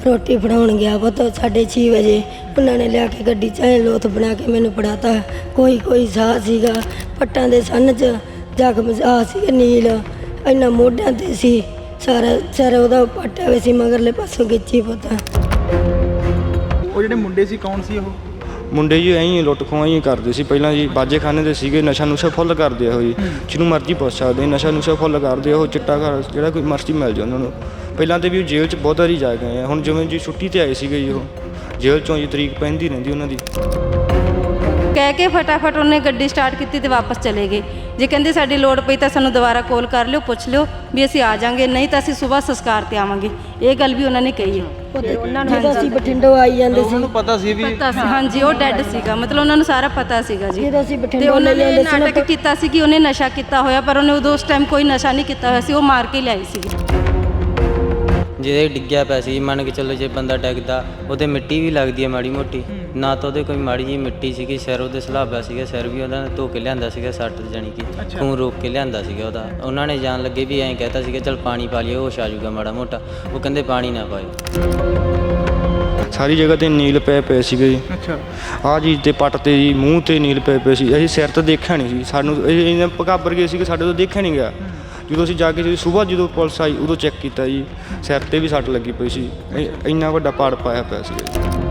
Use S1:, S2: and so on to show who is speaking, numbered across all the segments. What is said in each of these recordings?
S1: ਰੋਟੀ ਫੜਾਉਣ ਗਿਆ ਪੁੱਤ 6:30 ਵਜੇ ਉਹਨਾਂ ਨੇ ਲਿਆ ਕੇ ਗੱਡੀ 'ਚ ਐਂ ਲੋਥ ਬਣਾ ਕੇ ਮੈਨੂੰ ਫੜਾਤਾ। ਕੋਈ ਸਾਹ ਸੀਗਾ, ਪੱਟਾਂ ਦੇ ਸੰਨ 'ਚ ਜ਼ਖਮ ਆ ਸੀਗੇ ਨੀਲ, ਇੰਨਾ ਮੋਢਿਆਂ 'ਤੇ ਸੀ, ਸਾਰਾ ਸਿਰ ਉਹਦਾ ਪੱਟਿਆ ਹੋਇਆ ਸੀ ਮਗਰਲੇ ਪਾਸੋਂ ਖਿੱਚੀ ਪੁੱਤ।
S2: ਉਹ ਜਿਹੜੇ ਮੁੰਡੇ ਸੀ ਕੌਣ ਸੀ ਉਹ?
S3: ਮੁੰਡੇ ਜੀ ਐਂ ਲੁੱਟ ਖੋਹਾਂ ਹੀ ਕਰਦੇ ਸੀ ਪਹਿਲਾਂ ਜੀ, ਬਾਜੇ ਖਾਨੇ ਦੇ ਸੀਗੇ, ਨਸ਼ਾ ਨੁਸ਼ਾ ਫੁੱਲ ਕਰਦੇ ਆ ਉਹ ਜੀ, ਜਿਹਨੂੰ ਮਰਜ਼ੀ ਪੁੱਛ ਸਕਦੇ, ਨਸ਼ਾ ਨੁਸ਼ਾ ਫੁੱਲ ਕਰਦੇ ਉਹ, ਚਿੱਟਾ ਘਰ ਜਿਹੜਾ ਕੋਈ ਮਰਜ਼ੀ ਮਿਲ ਜਾ ਉਹਨਾਂ ਨੂੰ। ਪਹਿਲਾਂ ਤਾਂ ਵੀ ਉਹ ਜੇਲ੍ਹ 'ਚ ਬਹੁਤ ਵਾਰੀ ਜਾ ਗਏ ਆ, ਹੁਣ ਜਿਵੇਂ ਜੀ ਛੁੱਟੀ 'ਤੇ ਆਏ ਸੀਗੇ ਜੀ, ਉਹ ਜੇਲ੍ਹ 'ਚੋਂ ਜੀ ਤਰੀਕ ਪੈਂਦੀ ਰਹਿੰਦੀ ਉਹਨਾਂ ਦੀ।
S4: ਕਹਿ ਕੇ ਫਟਾਫਟ ਉਹਨੇ ਗੱਡੀ ਸਟਾਰਟ ਕੀਤੀ ਤੇ ਵਾਪਸ ਚਲੇ ਗਏ। ਜੇ ਕਹਿੰਦੇ ਸਾਡੀ ਲੋੜ ਪਈ ਤਾਂ ਸਾਨੂੰ ਦੁਬਾਰਾ ਕਾਲ ਕਰ ਲਿਓ, ਪੁੱਛ ਲਿਓ ਵੀ ਅਸੀਂ ਆ ਜਾਾਂਗੇ, ਨਹੀਂ ਤਾਂ ਅਸੀਂ ਸਵੇਰ ਸੰਸਕਾਰ ਤੇ ਆਵਾਂਗੇ। ਇਹ ਗੱਲ ਵੀ ਉਹਨਾਂ ਨੇ ਕਹੀ ਹੈ।
S1: ਉਹਨਾਂ ਨੂੰ ਜਦੋਂ ਅਸੀਂ ਬਠਿੰਡੋਂ ਆਈ ਜਾਂਦੇ ਸੀ
S2: ਉਹਨਾਂ ਨੂੰ ਪਤਾ ਸੀ ਵੀ
S4: ਹਾਂਜੀ ਉਹ ਡੈੱਡ ਸੀਗਾ, ਮਤਲਬ ਉਹਨਾਂ ਨੂੰ ਸਾਰਾ ਪਤਾ ਸੀਗਾ ਜੀ।
S1: ਜਦੋਂ ਅਸੀਂ
S4: ਤੇ
S1: ਬਠਿੰਡੋਂ
S4: ਉਹਨਾਂ ਨੇ
S1: ਜਾਂਦੇ ਸੀ
S4: ਨਾਟਕ ਕੀਤਾ ਸੀ ਕਿ ਉਹਨੇ ਨਸ਼ਾ ਕੀਤਾ ਹੋਇਆ, ਪਰ ਉਹਨੇ ਉਦੋਂ ਉਸ ਟਾਈਮ ਕੋਈ ਨਸ਼ਾ ਨਹੀਂ ਕੀਤਾ ਹੋਇਆ ਸੀ, ਉਹ ਮਾਰ ਕੇ ਲਿਆਈ ਸੀ।
S5: ਜਿਹਦੇ ਡਿੱਗਿਆ ਪਿਆ ਸੀ, ਮੰਨ ਕੇ ਚੱਲੋ ਜੇ ਬੰਦਾ ਡਿੱਗਦਾ ਉਹਦੇ ਮਿੱਟੀ ਵੀ ਲੱਗਦੀ ਹੈ ਮਾੜੀ ਮੋਟੀ, ਨਾ ਤਾਂ ਉਹਦੇ ਕੋਈ ਮਾੜੀ ਜਿਹੀ ਮਿੱਟੀ ਸੀਗੀ, ਸਿਰ ਉਹਦੇ ਸਲਾਬਾ ਸੀਗਾ, ਸਿਰ ਵੀ ਉਹਨਾਂ ਨੇ ਧੋ ਕੇ ਲਿਆਂਦਾ ਸੀਗਾ, ਸੱਟ ਜਾਣੀ ਕਿ ਖੂਨ ਰੋਕ ਕੇ ਲਿਆਂਦਾ ਸੀਗਾ ਉਹਦਾ। ਉਹਨਾਂ ਨੇ ਜਾਣ ਲੱਗੇ ਵੀ ਐਂ ਕਹਿਤਾ ਸੀਗਾ ਚੱਲ ਪਾਣੀ ਪਾ ਲਈਏ, ਹੋਸ਼ ਆ ਜਾਊਗਾ ਮਾੜਾ ਮੋਟਾ, ਉਹ ਕਹਿੰਦੇ ਪਾਣੀ ਨਾ ਪਾਇਓ।
S3: ਸਾਰੀ ਜਗ੍ਹਾ 'ਤੇ ਨੀਲ ਪਏ ਸੀਗੇ ਜੀ।
S2: ਅੱਛਾ,
S3: ਆਹ ਚੀਜ਼ 'ਤੇ ਪੱਟ 'ਤੇ ਜੀ, ਮੂੰਹ 'ਤੇ ਨੀਲ ਪਏ ਸੀ। ਅਸੀਂ ਸਿਰ ਤਾਂ ਦੇਖਿਆ ਨਹੀਂ ਸੀ, ਸਾਨੂੰ ਇਹਨਾਂ ਪਕਾਬਰ ਗਏ ਸੀ ਕਿ ਸਾਡੇ ਤੋਂ ਦੇਖਿਆ ਨਹੀਂ ਗਿਆ। ਜਦੋਂ ਅਸੀਂ ਜਾ ਕੇ ਸੁਬਾਹ ਜਦੋਂ ਪੁਲਿਸ ਆਈ ਉਦੋਂ ਚੈੱਕ ਕੀਤਾ ਜੀ, ਸਿਰ 'ਤੇ ਵੀ ਸੱਟ ਲੱਗੀ ਪਈ ਸੀ, ਇੰਨਾ ਵੱਡਾ ਪਾੜ ਪਾਇਆ ਪਿਆ ਸੀ।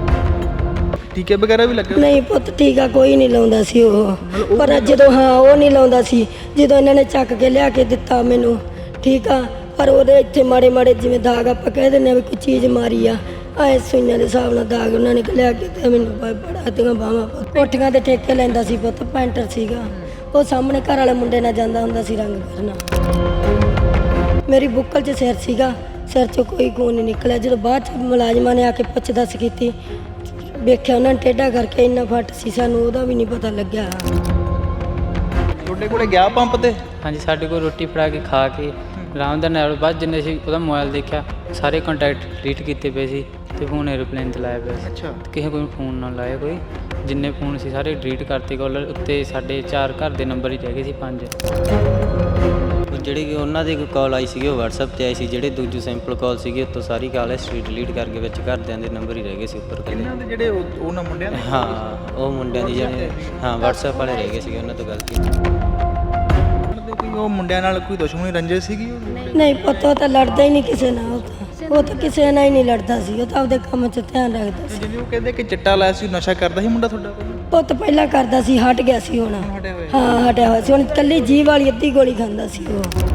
S2: ਟੀਕੇ ਵਗੈਰਾ ਵੀ ਲੱਗੇ?
S1: ਨਹੀਂ ਪੁੱਤ ਟੀਕਾ ਕੋਈ ਨਹੀਂ ਲਾਉਂਦਾ ਸੀ ਉਹ, ਪਰ ਜਦੋਂ ਉਹ ਨਹੀਂ ਲਾਉਂਦਾ ਸੀ, ਜਦੋਂ ਇਹਨਾਂ ਨੇ ਚੱਕ ਕੇ ਲਿਆ ਕੇ ਦਿੱਤਾ ਮੈਨੂੰ, ਠੀਕ ਆ, ਪਰ ਉਹਦੇ ਇੱਥੇ ਮਾੜੇ ਮਾੜੇ ਜਿਵੇਂ ਦਾਗ ਆਪਾਂ ਕਹਿ ਦਿੰਦੇ ਆ ਵੀ ਕੋਈ ਚੀਜ਼ ਮਾਰੀ ਆ, ਐ ਸੂਈਆਂ ਦੇ ਹਿਸਾਬ ਨਾਲ ਦਾਗ ਉਹਨਾਂ ਨੇ ਲਿਆ ਕੇ ਦਿੱਤਾ ਮੈਨੂੰ, ਬੜਾ ਤੀਆਂ ਬਾਹਾਂ। ਕੋਠੀਆਂ ਦੇ ਠੇਕੇ ਲੈਂਦਾ ਸੀ ਪੁੱਤ, ਪੈਂਟਰ ਸੀਗਾ ਉਹ, ਸਾਹਮਣੇ ਘਰ ਵਾਲੇ ਮੁੰਡੇ ਨਾਲ ਜਾਂਦਾ ਹੁੰਦਾ ਸੀ ਰੰਗ ਕਰਨਾ। ਮੇਰੀ ਬੁੱਕਲ 'ਚ ਸਿਰ ਸੀਗਾ, ਸਿਰ 'ਚੋਂ ਕੋਈ ਖੂਨ ਨਹੀਂ ਨਿਕਲਿਆ। ਜਦੋਂ ਬਾਅਦ 'ਚ ਮੁਲਾਜ਼ਮਾਂ ਨੇ ਆ ਕੇ ਪੁੱਛ ਦੱਸ ਕੀਤੀ, ਵੇਖਿਆ ਉਹਨਾਂ ਨੇ ਟੇਢਾ ਕਰਕੇ ਇੰਨਾ ਫੱਟ ਸੀ, ਸਾਨੂੰ ਉਹਦਾ ਵੀ ਨਹੀਂ ਪਤਾ ਲੱਗਿਆ।
S2: ਤੁਹਾਡੇ ਕੋਲੇ ਗਿਆ ਪੰਪ ਤੇ?
S6: ਹਾਂਜੀ, ਸਾਡੇ ਕੋਲ ਰੋਟੀ ਫੜਾ ਕੇ ਖਾ ਕੇ ਆਰਾਮ ਦੇ ਨਾਲ ਬਾਅਦ ਜਿੰਨੇ ਸੀ ਉਹਦਾ ਮੋਬਾਈਲ ਦੇਖਿਆ, ਸਾਰੇ ਕੰਟੈਕਟ ਡਿਲੀਟ ਕੀਤੇ ਪਏ ਸੀ ਤੇ ਫੋਨ ਐਰੋਪਲੇਨ 'ਤੇ ਲਾਇਆ ਪਿਆ ਸੀ।
S2: ਅੱਛਾ,
S6: ਕਿਸੇ ਕੋਈ ਫੋਨ ਨਾ ਲਾਇਆ, ਕੋਈ ਜਿੰਨੇ ਫੋਨ ਸੀ ਸਾਰੇ ਡਿਲੀਟ ਕਰਤੇ। ਕਾਲਰ ਉੱਤੇ ਸਾਡੇ 4 ਘਰ ਦੇ ਨੰਬਰ ਹੀ ਰਹਿ ਗਏ ਸੀ, 5।
S5: ਜਿਹੜੀ ਕਿ ਉਹਨਾਂ ਦੀ ਕਾਲ ਆਈ ਸੀਗੀ ਉਹ WhatsApp 'ਤੇ ਆਈ ਸੀ, ਜਿਹੜੇ ਦੂਜੀ ਸਿੰਪਲ ਕਾਲ ਸੀਗੀ ਉੱਤੋਂ ਸਾਰੀ ਕਾਲ ਹਿਸਟਰੀ ਡਿਲੀਟ ਕਰਕੇ ਵਿੱਚ ਘਰਦਿਆਂ ਦੇ ਨੰਬਰ ਹੀ ਰਹਿ ਗਏ ਸੀ ਉੱਪਰ ਕੱਲੇ।
S2: ਇਹਨਾਂ ਦੇ ਜਿਹੜੇ ਉਹਨਾਂ ਮੁੰਡਿਆਂ ਦੇ?
S5: ਹਾਂ, ਉਹ ਮੁੰਡਿਆਂ ਦੀ ਜਿਹੜੇ WhatsApp ਵਾਲੇ ਰਹਿ ਗਏ ਸੀਗੇ, ਉਹਨਾਂ ਤੋਂ ਗੱਲ ਕੀਤੀ।
S2: ਉਹ ਮੁੰਡਿਆਂ ਨਾਲ ਕੋਈ ਦੁਸ਼ਮਣੀ ਰੰਜਿਸ਼ ਸੀਗੀ?
S1: ਨਹੀਂ ਪੁੱਤ ਉਹ ਤਾਂ ਲੜਦਾ ਹੀ ਨਹੀਂ ਕਿਸੇ ਨਾਲ, ਉਹ ਤਾਂ ਕਿਸੇ ਨਾਲ ਹੀ ਨਹੀਂ ਲੜਦਾ ਸੀ, ਉਹ ਤਾਂ ਆਪਦੇ ਕੰਮ 'ਚ ਧਿਆਨ ਰੱਖਦਾ ਸੀ।
S2: ਜਿਵੇਂ ਉਹ ਕਹਿੰਦੇ ਕਿ ਚਿੱਟਾ ਲਾਇਆ ਸੀ, ਨਸ਼ਾ ਕਰਦਾ ਸੀ ਮੁੰਡਾ ਤੁਹਾਡਾ?
S1: ਪੁੱਤ ਪਹਿਲਾਂ ਕਰਦਾ ਸੀ, ਹਟ ਗਿਆ ਸੀ ਹੁਣ। ਹਾਂ ਹਟਿਆ ਹੋਇਆ ਸੀ, ਹੁਣ ਇਕੱਲੀ ਜੀਭ ਵਾਲੀ ਅੱਧੀ ਗੋਲੀ ਖਾਂਦਾ ਸੀ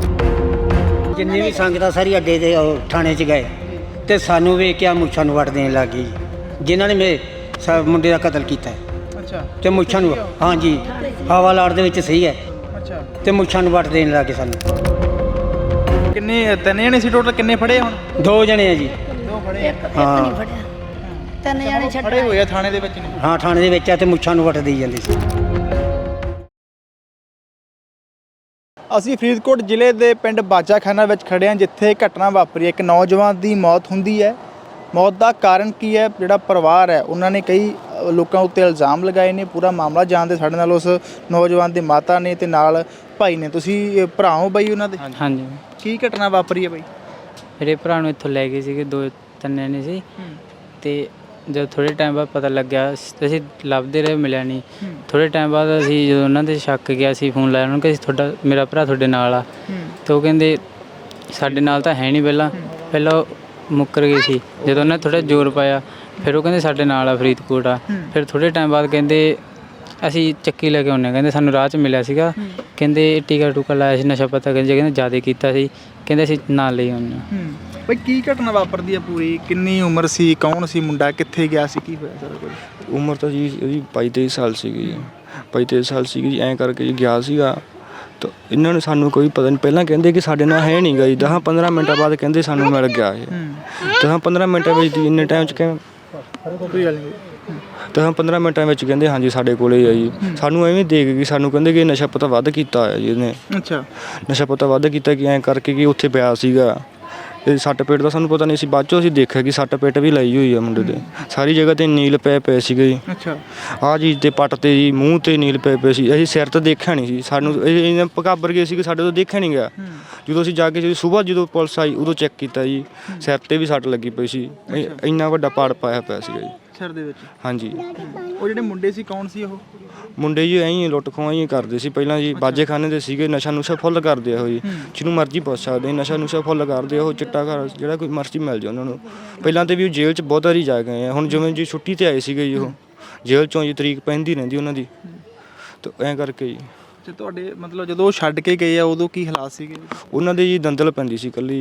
S1: ਉਹ।
S7: ਜਿੰਨੀ ਵੀ ਸੰਗਤਾਂ ਸਾਰੀ ਅੱਡੇ ਦੇ ਥਾਣੇ 'ਚ ਗਏ ਤੇ ਸਾਨੂੰ ਵੇਖ ਕੇ ਮੁੱਛਾਂ ਨੂੰ ਵੱਟ ਦੇਣ ਲੱਗ ਗਈ, ਜਿਨ੍ਹਾਂ ਨੇ ਮੇਰੇ ਮੁੰਡੇ ਦਾ ਕਤਲ ਕੀਤਾ।
S2: ਅੱਛਾ,
S7: ਤੇ ਮੁੱਛਾਂ ਨੂੰ, ਹਾਂਜੀ, ਹਵਾ ਲਾੜ ਦੇ ਵਿੱਚ ਸਹੀ ਹੈ।
S2: ਅੱਛਾ,
S7: ਤੇ ਮੁੱਛਾਂ ਨੂੰ ਵੱਟ ਦੇਣ ਲੱਗ ਗਏ ਸਾਨੂੰ।
S2: ਕਿੰਨੇ? 3 ਜਣੇ ਸੀ ਟੋਟਲ? ਕਿੰਨੇ ਫੜੇ ਹੁਣ?
S7: 2 ਜਣੇ ਆ ਜੀ।
S2: 2 ਫੜੇ ਆ?
S7: ਹਾਂ,
S1: ਤਿੰਨ ਜਾਣੇ ਛੱਡ
S2: ਫੜੇ ਹੋਏ ਆ ਥਾਣੇ ਦੇ ਵਿੱਚ ਨੇ?
S7: ਹਾਂ, ਥਾਣੇ ਦੇ ਵਿੱਚ ਆ ਤੇ ਮੁੱਛਾਂ ਨੂੰ ਵੱਟ ਦੇਈ ਜਾਂਦੇ ਸੀ।
S2: ਅਸੀਂ ਫਰੀਦਕੋਟ ਜ਼ਿਲ੍ਹੇ ਦੇ ਪਿੰਡ ਬਾਜਾਖਾਨਾ ਵਿੱਚ ਖੜ੍ਹੇ ਹਾਂ, ਜਿੱਥੇ ਘਟਨਾ ਵਾਪਰੀ ਹੈ। ਇੱਕ ਨੌਜਵਾਨ ਦੀ ਮੌਤ ਹੁੰਦੀ ਹੈ। ਮੌਤ ਦਾ ਕਾਰਨ ਕੀ ਹੈ, ਜਿਹੜਾ ਪਰਿਵਾਰ ਹੈ ਉਹਨਾਂ ਨੇ ਕਈ ਲੋਕਾਂ ਉੱਤੇ ਇਲਜ਼ਾਮ ਲਗਾਏ ਨੇ। ਪੂਰਾ ਮਾਮਲਾ ਜਾਣਦੇ ਸਾਡੇ ਨਾਲ ਉਸ ਨੌਜਵਾਨ ਦੇ ਮਾਤਾ ਨੇ ਤੇ ਨਾਲ ਭਾਈ ਨੇ। ਤੁਸੀਂ ਭਰਾ ਹੋ ਬਾਈ ਉਹਨਾਂ ਦੇ?
S6: ਹਾਂਜੀ,
S2: ਕੀ ਘਟਨਾ ਵਾਪਰੀ ਹੈ ਬਾਈ?
S6: ਮੇਰੇ ਭਰਾ ਨੂੰ ਇੱਥੋਂ ਲੈ ਗਏ ਸੀਗੇ 2-3 ਜਣੇ ਸੀ, ਤੇ ਜਦ ਥੋੜ੍ਹੇ ਟਾਈਮ ਬਾਅਦ ਪਤਾ ਲੱਗਿਆ, ਅਸੀਂ ਲੱਭਦੇ ਰਹੇ, ਮਿਲਿਆ ਨਹੀਂ। ਥੋੜ੍ਹੇ ਟਾਈਮ ਬਾਅਦ ਅਸੀਂ ਜਦੋਂ ਉਹਨਾਂ ਦੇ ਸ਼ੱਕ ਗਿਆ, ਅਸੀਂ ਫੋਨ ਲਾਇਆ ਉਹਨਾਂ ਨੂੰ ਕਿ ਮੇਰਾ ਭਰਾ ਤੁਹਾਡੇ ਨਾਲ ਆ, ਤਾਂ ਉਹ ਕਹਿੰਦੇ ਸਾਡੇ ਨਾਲ ਤਾਂ ਹੈ ਨਹੀਂ। ਪਹਿਲਾਂ ਉਹ ਮੁੱਕਰ ਗਏ ਸੀ, ਜਦੋਂ ਉਹਨਾਂ ਨੇ ਥੋੜ੍ਹਾ ਜ਼ੋਰ ਪਾਇਆ ਫਿਰ ਉਹ ਕਹਿੰਦੇ ਸਾਡੇ ਨਾਲ ਆ, ਫਰੀਦਕੋਟ ਆ। ਫਿਰ ਥੋੜ੍ਹੇ ਟਾਈਮ ਬਾਅਦ ਕਹਿੰਦੇ ਅਸੀਂ ਚੱਕੀ ਲੈ ਕੇ ਆਉਂਦੇ, ਕਹਿੰਦੇ ਸਾਨੂੰ ਰਾਹ 'ਚ ਮਿਲਿਆ ਸੀਗਾ, ਕਹਿੰਦੇ ਟੀਕਾ ਟੂਕਾ ਲਾਇਆ ਸੀ, ਨਸ਼ਾ ਪਤਾ ਕਹਿੰਦੇ ਜ਼ਿਆਦਾ ਕੀਤਾ ਸੀ, ਕਹਿੰਦੇ ਅਸੀਂ ਨਾਲ ਲਈ ਆਉਂਦੇ ਹਾਂ।
S2: ਬਈ ਕੀ ਘਟਨਾ ਵਾਪਰਦੀ ਹੈ ਪੂਰੀ? ਕਿੰਨੀ ਉਮਰ ਸੀ? ਕੌਣ ਸੀ ਮੁੰਡਾ? ਕਿੱਥੇ ਗਿਆ ਸੀ? ਕੀ ਹੋਇਆ ਸਾਰਾ ਕੁਝ?
S3: ਉਮਰ ਤਾਂ ਜੀ ਉਹਦੀ 22-23 ਸਾਲ ਸੀਗੀ ਜੀ, 22-23 ਸਾਲ ਸੀਗੀ ਜੀ। ਐਂ ਕਰਕੇ ਜੀ ਗਿਆ ਸੀਗਾ, ਤਾਂ ਇਹਨਾਂ ਨੂੰ ਸਾਨੂੰ ਕੋਈ ਪਤਾ ਨਹੀਂ। ਪਹਿਲਾਂ ਕਹਿੰਦੇ ਕਿ ਸਾਡੇ ਨਾਲ ਹੈ ਨਹੀਂ ਗਾ ਜੀ, 10-15 ਮਿੰਟਾਂ ਬਾਅਦ ਕਹਿੰਦੇ ਸਾਨੂੰ ਮਿਲ ਗਿਆ ਇਹ। 10-15 ਮਿੰਟਾਂ ਵਿੱਚ ਇੰਨੇ ਟਾਈਮ 'ਚ ਕਹਿੰਦੇ
S2: ਕੋਈ ਗੱਲ ਨਹੀਂ,
S3: 10-15 ਮਿੰਟਾਂ ਵਿੱਚ ਕਹਿੰਦੇ ਹਾਂਜੀ ਸਾਡੇ ਕੋਲੇ ਆ ਜੀ। ਸਾਨੂੰ ਐਵੇਂ ਦੇਖ ਗਈ, ਸਾਨੂੰ ਕਹਿੰਦੇ ਕਿ ਨਸ਼ਾ ਪਤਾ ਵੱਧ ਕੀਤਾ ਹੋਇਆ ਜੀ ਇਹਨੇ।
S2: ਅੱਛਾ,
S3: ਨਸ਼ਾ ਪਤਾ ਵੱਧ ਕੀਤਾ ਕਿ ਐਂ ਕਰਕੇ ਕਿ ਉੱਥੇ ਪਿਆ ਸੀਗਾ, ਇਹ ਸੱਟ ਪੇਟ ਦਾ ਸਾਨੂੰ ਪਤਾ ਨਹੀਂ ਸੀ, ਬਾਅਦ ਚੋਂ ਅਸੀਂ ਦੇਖਿਆ ਕਿ ਸੱਟ ਪੇਟ ਵੀ ਲਾਈ ਹੋਈ ਆ ਮੁੰਡੇ ਦੇ, ਸਾਰੀ ਜਗ੍ਹਾ ਤੇ ਨੀਲ ਪਏ ਸੀਗੇ ਜੀ।
S2: ਅੱਛਾ।
S3: ਆਹ ਚੀਜ਼ ਤੇ ਪੱਟ ਤੇ ਜੀ, ਮੂੰਹ ਤੇ ਨੀਲ ਪਏ ਸੀ। ਅਸੀਂ ਸਿਰ ਤੇ ਦੇਖਿਆ ਨਹੀਂ ਸੀ, ਸਾਨੂੰ ਇਹਨਾਂ ਪਕਾਬਰ ਗਏ ਸੀ ਕਿ ਸਾਡੇ ਤੋਂ ਦੇਖਿਆ ਨਹੀਂ ਗਿਆ। ਜਦੋਂ ਅਸੀਂ ਜਾ ਕੇ ਸਵੇਰ ਜਦੋਂ ਪੁਲਿਸ ਆਈ ਉਦੋਂ ਚੈੱਕ ਕੀਤਾ ਜੀ, ਸਿਰ ਤੇ ਵੀ ਸੱਟ ਲੱਗੀ ਪਈ ਸੀ, ਇੰਨਾ ਵੱਡਾ ਪਾੜ ਪਾਇਆ ਪਿਆ ਸੀਗਾ ਜੀ
S2: ਸਿਰ ਦੇ ਵਿੱਚ।
S3: ਹਾਂਜੀ।
S2: ਉਹ ਜਿਹੜੇ ਮੁੰਡੇ ਸੀ ਕੌਣ ਸੀ ਉਹ?
S3: ਮੁੰਡੇ ਜੀ ਐਂ ਲੁੱਟ ਖੋਹਾਂ ਹੀ ਕਰਦੇ ਸੀ ਪਹਿਲਾਂ ਜੀ, ਬਾਜੇਖਾਨੇ ਦੇ ਸੀਗੇ, ਨਸ਼ਾ ਨੁਸ਼ਾ ਫੁੱਲ ਕਰਦੇ ਆ ਉਹ ਜੀ, ਜਿਹਨੂੰ ਮਰਜ਼ੀ ਪੁੱਛ ਸਕਦੇ, ਨਸ਼ਾ ਨੁਸ਼ਾ ਫੁੱਲ ਕਰਦੇ ਆ ਉਹ, ਚਿੱਟਾ ਘਰ ਜਿਹੜਾ ਕੋਈ ਮਰਜ਼ੀ ਮਿਲ ਜਾ ਉਹਨਾਂ ਨੂੰ। ਪਹਿਲਾਂ ਤੇ ਵੀ ਉਹ ਜੇਲ੍ਹ 'ਚ ਬਹੁਤ ਵਾਰੀ ਜਾ ਗਏ ਆ, ਹੁਣ ਜਿਵੇਂ ਜੀ ਛੁੱਟੀ ਤੇ ਆਏ ਸੀਗੇ ਜੀ, ਉਹ ਜੇਲ੍ਹ 'ਚੋਂ ਜੀ ਤਰੀਕ ਪੈਂਦੀ ਰਹਿੰਦੀ ਉਹਨਾਂ ਦੀ, ਤਾਂ ਐਂ ਕਰਕੇ ਜੀ।
S2: ਤੇ ਤੁਹਾਡੇ ਮਤਲਬ ਜਦੋਂ ਉਹ ਛੱਡ ਕੇ ਗਏ ਆ ਉਦੋਂ ਕੀ ਹਾਲਾਤ ਸੀਗੇ?
S3: ਉਹਨਾਂ ਦੇ ਜੀ ਦੰਦਲ ਪੈਂਦੀ ਸੀ ਇਕੱਲੀ।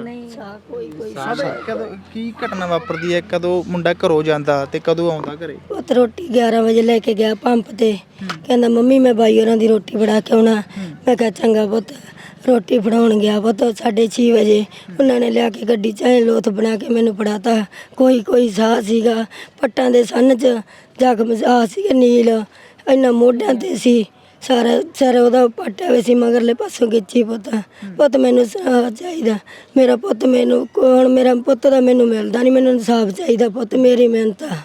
S2: ਕਦੋਂ ਕੀ ਘਟਨਾ ਵਾਪਰਦੀ ਹੈ, ਕਦੋਂ ਮੁੰਡਾ ਘਰੋਂ ਜਾਂਦਾ ਤੇ ਕਦੋਂ ਆਉਂਦਾ ਘਰੇ?
S1: ਪੁੱਤ ਰੋਟੀ 11 ਵਜੇ ਲੈ ਕੇ ਗਿਆ ਪੰਪ ਤੇ, ਕਹਿੰਦਾ ਮੰਮੀ ਮੈਂ ਬਾਈ ਹੋਰਾਂ ਦੀ ਰੋਟੀ ਫੜਾ ਕੇ ਆਉਣਾ। ਮੈਂ ਕਿਹਾ ਚੰਗਾ ਪੁੱਤ। ਰੋਟੀ ਫੜਾਉਣ ਗਿਆ ਪੁੱਤ 6:30 ਵਜੇ, ਉਹਨਾਂ ਨੇ ਲਿਆ ਕੇ ਗੱਡੀ 'ਚ ਐਂ ਲੋਥ ਬਣਾ ਕੇ ਮੈਨੂੰ ਫੜਾਤਾ। ਕੋਈ ਸਾਹ ਸੀਗਾ, ਪੱਟਾਂ ਦੇ ਸੰਨ 'ਚ ਜ਼ਖਮ ਆ ਸੀਗੇ ਨੀਲ, ਇੰਨਾ ਮੋਢਿਆਂ ਤੇ ਸੀ, ਸਾਰਾ ਸਿਰ ਉਹਦਾ ਪੱਟਿਆ ਹੋਇਆ ਸੀ, ਮਗਰਲੇ ਪਾਸੋਂ ਖਿੱਚੀ। ਪੁੱਤ ਮੈਨੂੰ ਇਨਸਾਫ ਚਾਹੀਦਾ, ਮੇਰਾ ਪੁੱਤ ਮੈਨੂੰ ਹੁਣ ਮੇਰਾ ਪੁੱਤ ਦਾ ਮੈਨੂੰ ਮਿਲਦਾ ਨਹੀਂ, ਮੈਨੂੰ ਇਨਸਾਫ ਚਾਹੀਦਾ ਪੁੱਤ, ਮੇਰੀ ਮਿਹਨਤ ਆ।